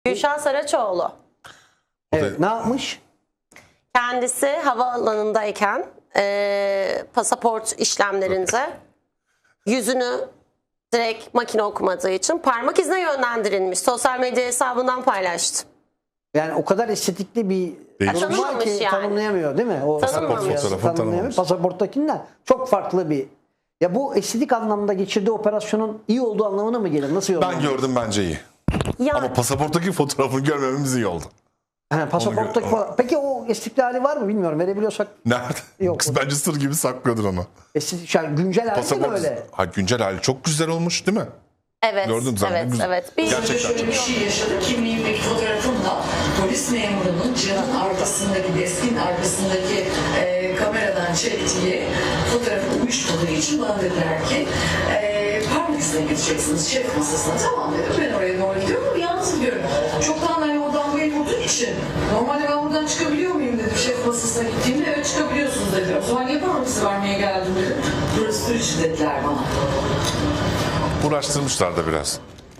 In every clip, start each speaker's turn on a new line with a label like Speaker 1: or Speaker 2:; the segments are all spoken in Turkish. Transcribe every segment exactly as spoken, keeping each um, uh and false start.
Speaker 1: Gülşah Saraçoğlu.
Speaker 2: Evet, ne yapmış?
Speaker 1: Kendisi havaalanındayken e, pasaport işlemlerinde yüzünü direkt makine okumadığı için parmak izine yönlendirilmiş. Sosyal medya hesabından paylaştı.
Speaker 2: Yani o kadar estetikli bir durum var
Speaker 1: Tanımamış
Speaker 2: ki
Speaker 1: yani.
Speaker 2: tanımlayamıyor değil mi? O
Speaker 1: Tanımamış.
Speaker 2: pasaport
Speaker 3: Fotoğrafı
Speaker 2: tanımlayamıyor.
Speaker 3: tanımamış.
Speaker 2: Pasaporttakinden çok farklı bir. Ya bu estetik anlamda geçirdiği operasyonun iyi olduğu anlamına mı gelir? Nasıl
Speaker 3: Ben
Speaker 2: yorumlanır?
Speaker 3: gördüm, bence iyi.
Speaker 1: Yani,
Speaker 3: Ama pasaporttaki fotoğrafını görmememiz iyi oldu.
Speaker 2: Ha, pasaporttaki
Speaker 3: Onu gör-
Speaker 2: falan. Peki o estetikli hali var mı bilmiyorum. Verebiliyorsak
Speaker 3: Nerede?
Speaker 2: Yok.
Speaker 3: Kız bence sır gibi saklıyordur onu.
Speaker 2: estetik, yani güncel hali mi
Speaker 3: Pasaport.
Speaker 2: öyle?
Speaker 3: Ha, güncel hali çok güzel olmuş değil mi?
Speaker 1: evet,
Speaker 3: Gördün zaten,
Speaker 1: evet,
Speaker 3: güzel.
Speaker 1: evet. Bir,
Speaker 3: Gerçekten
Speaker 4: Şöyle
Speaker 3: çok
Speaker 4: bir şey yaşadı. Kimliğimdeki fotoğrafımla polis memurunun camın arkasındaki, deskin arkasındaki e, kameradan çektiği fotoğrafı uyuşmadığı için bana dediler ki e, parmak izine gideceksiniz şef masasına. Tamam dedim, ben oraya doğru gidiyorum ama yalnız gidiyorum. Çoktan hani oradan buraya vurduğu için normalde ben buradan çıkabiliyor muyum dedim şef masasına gittiğimde. Evet çıkabiliyorsunuz dediler. O zaman niye parmak izi vermeye geldim dedim. Burası turist dediler bana.
Speaker 3: Uğraştırmışlar da biraz.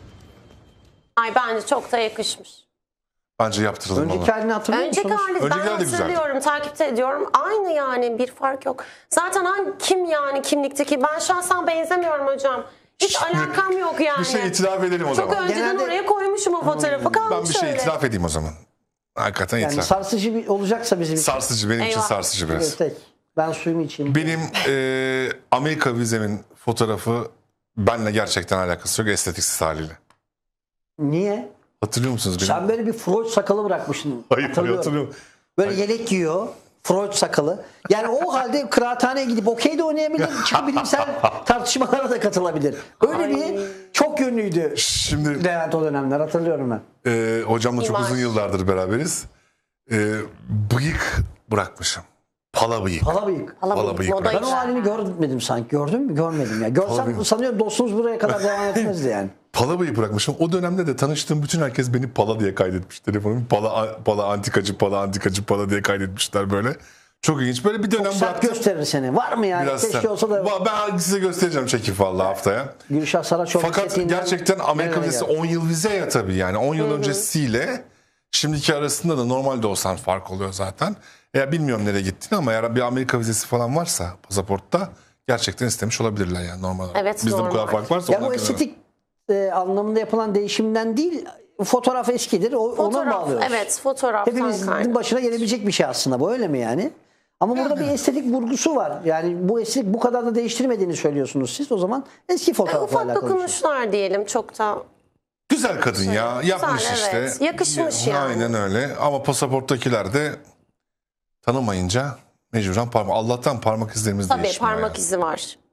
Speaker 1: ay bence çok da yakışmış.
Speaker 3: Bence yaptıralım onu.
Speaker 2: Önceki halini hatırlıyor
Speaker 1: Önceki
Speaker 2: musunuz?
Speaker 1: hali ben
Speaker 3: Önceki hali de güzeldi.
Speaker 1: hatırlıyorum, takipte ediyorum. Aynı yani, bir fark yok. Zaten hangi kim yani kimlikteki? Ben şahsen benzemiyorum hocam. Hiç
Speaker 3: Şimdi
Speaker 1: alakam yok yani.
Speaker 3: Bir şey itiraf edelim o
Speaker 1: Çok
Speaker 3: zaman.
Speaker 1: önceden
Speaker 2: Genelde-
Speaker 1: oraya koymuşum o fotoğrafı, kalmış
Speaker 3: Ben bir şey
Speaker 1: öyle.
Speaker 3: itiraf edeyim o zaman. Hakikaten
Speaker 2: Yani
Speaker 3: itiraf.
Speaker 2: sarsıcı bir olacaksa bizim için.
Speaker 3: Sarsıcı, benim için
Speaker 1: Eyvah.
Speaker 3: sarsıcı biraz.
Speaker 2: Evet, tek. Ben suyumu içeyim.
Speaker 3: Benim e, Amerika vizemin fotoğrafı benimle gerçekten alakası yok, estetiksiz haliyle.
Speaker 2: Niye?
Speaker 3: Hatırlıyor musunuz benim?
Speaker 2: Sen böyle bir Freud sakalı bırakmışsın.
Speaker 3: Hayır,
Speaker 2: Hatırlıyorum.
Speaker 3: hatırlıyorum.
Speaker 2: Böyle yelek giyiyor. Freud sakalı. Yani o halde kıraathaneye gidip okey de oynayabilir. Çıkıp bilimsel tartışmalara da katılabilir. Öyle
Speaker 1: Ay.
Speaker 2: bir çok yönlüydü.
Speaker 3: Şimdi
Speaker 2: Levent o dönemler hatırlıyorum ben.
Speaker 3: e, hocamla çok
Speaker 1: İmaj.
Speaker 3: uzun yıllardır beraberiz. E, bıyık bırakmışım. Pala bıyık.
Speaker 2: Hala bıyık.
Speaker 1: Pala
Speaker 3: Pala
Speaker 1: bıyık,
Speaker 3: bıyık
Speaker 1: moda
Speaker 3: bırak.
Speaker 2: Ben o
Speaker 1: güzel.
Speaker 2: halini görmedim sanki. Gördün mü? Görmedim ya. Görsem
Speaker 3: bıyık.
Speaker 2: sanıyorum dostunuz buraya kadar devam etmezdi yani.
Speaker 3: Pala bıyık bırakmışım. O dönemde de tanıştığım bütün herkes beni Pala diye kaydetmiş. Telefonum Pala, Pala antikacı, Pala antikacı, Pala diye kaydetmişler böyle. Çok ilginç. Böyle bir dönem
Speaker 2: Sert
Speaker 3: bıraktım.
Speaker 2: gösterir seni. Var mı yani?
Speaker 3: Biraz
Speaker 2: Keşke
Speaker 3: sert.
Speaker 2: olsa da.
Speaker 3: Va- Ben size göstereceğim çekif vallahi haftaya.
Speaker 2: Gülşah Saraçoğlu
Speaker 3: Fakat
Speaker 2: estetiğinden
Speaker 3: gerçekten Amerika
Speaker 2: nerelere
Speaker 3: vizesi
Speaker 2: geldi?
Speaker 3: on yıl vize ya tabii yani. on yıl öncesiyle şimdiki arasında da normalde olsan fark oluyor zaten. Ya bilmiyorum nereye gittiğini ama eğer bir Amerika vizesi falan varsa pasaportta gerçekten istemiş olabilirler yani normal olarak.
Speaker 1: Evet,
Speaker 3: Bizde bu
Speaker 1: normal.
Speaker 3: kadar fark varsa
Speaker 2: Ya
Speaker 3: onlar
Speaker 2: bu
Speaker 3: kadar-
Speaker 2: estetik e, anlamında yapılan değişimden değil, fotoğraf eskidir. O, ona
Speaker 1: Fotoğraf,
Speaker 2: bağlıyoruz.
Speaker 1: evet, fotoğraftan
Speaker 2: Hepimizin
Speaker 1: kaynak.
Speaker 2: başına gelebilecek bir şey aslında bu, öyle mi yani? Ama burada bir estetik vurgusu var. Yani bu estetik bu kadar da değiştirmediğini söylüyorsunuz siz. O zaman eski
Speaker 1: E,
Speaker 2: fotoğrafla
Speaker 1: ufak
Speaker 2: alakalı bir şey.
Speaker 1: dokunuşlar diyelim, çok da
Speaker 3: Güzel kadın ya. Yapmış
Speaker 1: Güzel,
Speaker 3: işte.
Speaker 1: evet. Yakışmış yani.
Speaker 3: Aynen öyle. Ama pasaporttakiler de tanımayınca mecburen parmak. Allah'tan parmak izlerimiz
Speaker 1: tabii
Speaker 3: değişmiyor.
Speaker 1: parmak
Speaker 3: yani.
Speaker 1: izi var.